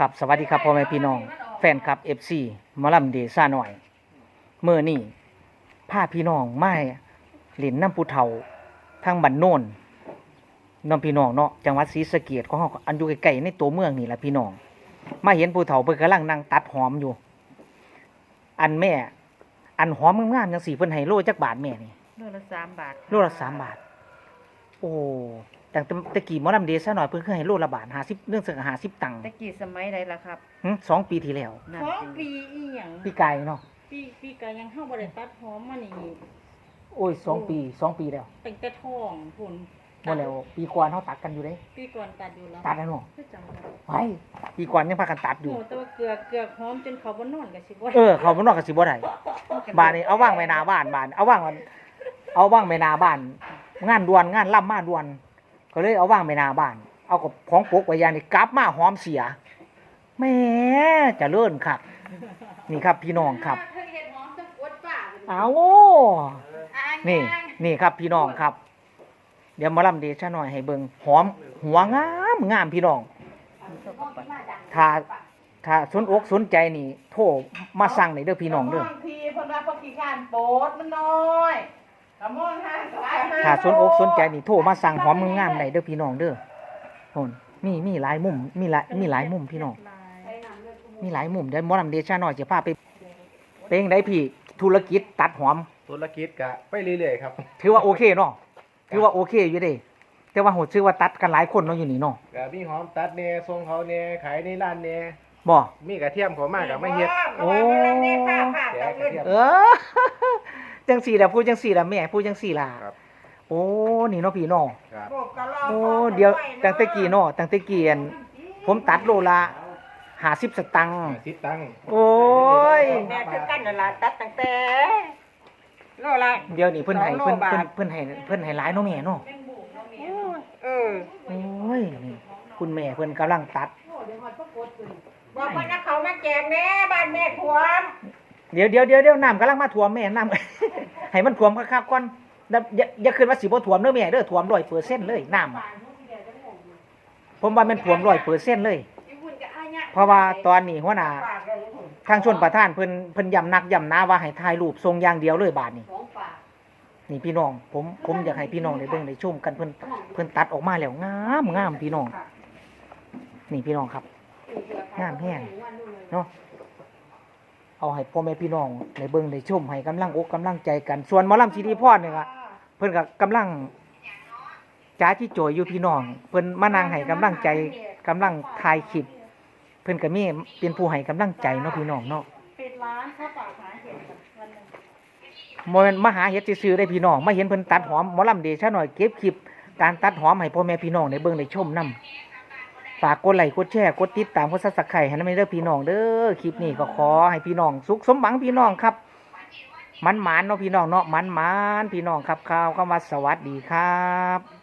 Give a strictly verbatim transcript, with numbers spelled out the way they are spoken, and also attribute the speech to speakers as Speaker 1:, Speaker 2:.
Speaker 1: ครับสวัสดีครับพ่อแม่พี่น้องแฟนคลับ เอฟ ซี หมอลำเดซ่าหน่อยเมื่อนี่พาพี่น้องมาเล่นน้ำปูเฒ่าทางบ้านโน่นน้องพี่น้องเนาะจังหวัดศรีสะเกษของเฮาอันอยู่ใกล้ๆในตัวเมืองนี่แหละพี่น้องมาเห็นปูเฒ่าเพิ่นกำลังนั่งตัดหอมอยู่ อันแม่อันหอมงามๆจังสี่เพิ่นให้โลจักบาทแม่นี่
Speaker 2: โลละสามบาท
Speaker 1: โลละสามบาทโอ้แต่ตะกี้หมอลำเดซ่าหน่อยเพิ่นเคยให้โลละบาทห้าสิบเรื่องสักห้าสิบตังค์
Speaker 2: ตะกี้สมัยใดล่ะครับ
Speaker 1: หึสองปีที่แล้ว
Speaker 2: นั่น
Speaker 3: สอง
Speaker 2: สิ
Speaker 3: ปีอีหยัง
Speaker 1: ปีกายเนาะ
Speaker 3: ปีปีกายังเฮาบ่ได้ตัดหอมมานี่
Speaker 1: โอ้ยสองปีสองปีแล้ว
Speaker 3: ตั้งแต่ท้องพุ่น
Speaker 1: บ่แล้วปีก่อนเฮาตัดกันอยู่เด้
Speaker 3: ปีก่อนตัดอยู่แล้ว
Speaker 1: ตัดแล้วเนาะ
Speaker 3: คือจำได้
Speaker 1: ไว้ปีก่อนยังพากันตัดอยู่
Speaker 3: โอ้แต่ว่าเกลือเกลือหอมจนเขาบ่นอนก็สิบ่
Speaker 1: เออเขาบ่นอกก็สิบ่ได้บ้านนี้เอาว่างไว้หน้าบ้านบ้านเอาว่างมันเอาว่างไว้หน้าบ้าน งานด่วนงานล่ำมาด่วน ก็เลยเอาว่างไว้หน้าบ้าน เอากับของปกไว้ยางนี่กลับมาหอมเสียแหม่เจะเลิ่นครับ นี่ครับพี่น้องครับ
Speaker 3: เพิ่นเฮ็ดหอมจังกวดป้า
Speaker 1: เอานี่นี่ครับพี่น้องครับ เดี๋ยวหมาลำเดชะหน่อยให้เบิ่งหอมหัวงามงามพี่น้อง ถ้าถ้าสนอกสนใจนี่ โทรมาสั่งได้เด้อพี่น้องเด้อ
Speaker 3: พี่เพิ่นว่าเพิ่นขี้การโปดมันน้อยกะมองหาหลาย
Speaker 1: ถ้าสนอกสนใจนี่โทรมาสั่งหอมงามๆได้เด้อพี่น้องเด้อโหนมีมีหลายมุมมีหลายมีหลายมุมพี่น้องมีหลายมุมเดี๋ยวหมอลำเดชะหน่อยจะพาไปเป็นจั่งใดพี่ธุรกิจตัดหอม
Speaker 4: ธุรกิจกะไปเรื่อยๆครับ
Speaker 1: ถือว่าโอเคเนาะถือว่าโอเคอยู่เด้แต่ว่าโหชื่อว่าตัดกันหลายคนเนาะอยู่นี่เนาะ
Speaker 4: กะมีหอมตัดแหน่ทรงเขาแหน่ขายในร้านแหน่
Speaker 1: บ่
Speaker 4: มีกระเทียมเขามากกับไม่เฮ็ด
Speaker 1: โอ้
Speaker 4: แกะกระเทียม
Speaker 1: เออ จังสี่ล่ะพูดจังสี่ล่ะแม่พูดจังสี่ล่ะ
Speaker 4: ครับ
Speaker 1: โอ้นี่เนาะพี่น้อง
Speaker 4: ครับ
Speaker 1: โอ้เดี๋ยวตั้งแต่กี้เนาะตั้งแต่กี้อันผมตัดโลละห้าสิบสตังค์
Speaker 4: สิบตังค์
Speaker 1: โอ้ย
Speaker 3: แม่คือกันนั่นล่ะตัดตั้งแต่โลละ
Speaker 1: เดี๋ยวนี้เพิ่นให้
Speaker 3: สองโล
Speaker 1: เพิ่น
Speaker 3: บาท
Speaker 1: เพิ่นเพิ่นให้เพิ่นให้หลายเนาะแม่เนาะ
Speaker 3: เออ
Speaker 1: โอ้ยนี่คุณแม่เพิ่นกำลังตัด
Speaker 3: บอกว่านักเขามาแจกแม่บ้านแม่ท่วม
Speaker 1: เดี๋ยวเดี๋ยวเดี๋ยวเดี๋ยวน้ำกำลังมาท่วมแม่น้ำ ให้มันท่วมคักๆก่อนแล้วอย่าอย่าคิดว่าสิบ่ท่วมเด้อแม่เด้อท่วมร้อยเปอร์เซ็นต์เลยน้ำผมว่ามันท่วมร้อยเปอร์เซ็นต์เลย เพราะว่าตอนนี้หัวหน้าทางชนประธานเพิ่นเพิ่นย้ำนักย้ำหนาว่าให้ถ่ายรูปทรงอย่างเดียวเลยบาดนี้ นี่พี่น้องผมผมอยากให้พี่น้องได้เบิ่งได้ชมกันเพิ่นเพิ่นตัดออกมาแล้วงามงามพี่น้อง นี่พี่น้องครับงามแห้งเนาะเอาให้พ่อแม่พี่น้องได้เบิ่งได้ชมให้กำลังอกกำลังใจกัน ส่วนหมอลำซีดีพรเนี่ยก็เพิ่นก็กำลังจ้าที่โจยอยู่พี่น้องเพิ่นมานั่งให้กำลังใจกำลังถ่ายคลิปเพิ่นก็มีเป็นผู้ให้กำลังใจเนาะพี่น้องเนาะ
Speaker 3: ปิดร้านข้าวเปล่าหาเห็ดกันวันหนึง
Speaker 1: บ่แม่นมาหาเฮ็ดซื่อๆได้พี่น้องมาเห็นเพิ่นตัดหอมหมอลำเดชะหน่อยเก็บคลิปการตัดหอมให้พ่อแม่พี่น้องได้เบิ่งได้ชมนํฝากกดไลค์กดแชร์กดติดตามกด Subscribe ให้นำเด้อพี่น้องเด้อคลิปนี้ก็ขอให้พี่น้องสุขสมหวังพี่น้องครับมันหมานเนาะพี่น้องเนาะมันหมานพี่น้องครับข่าวคำว่าสวัสดีครับ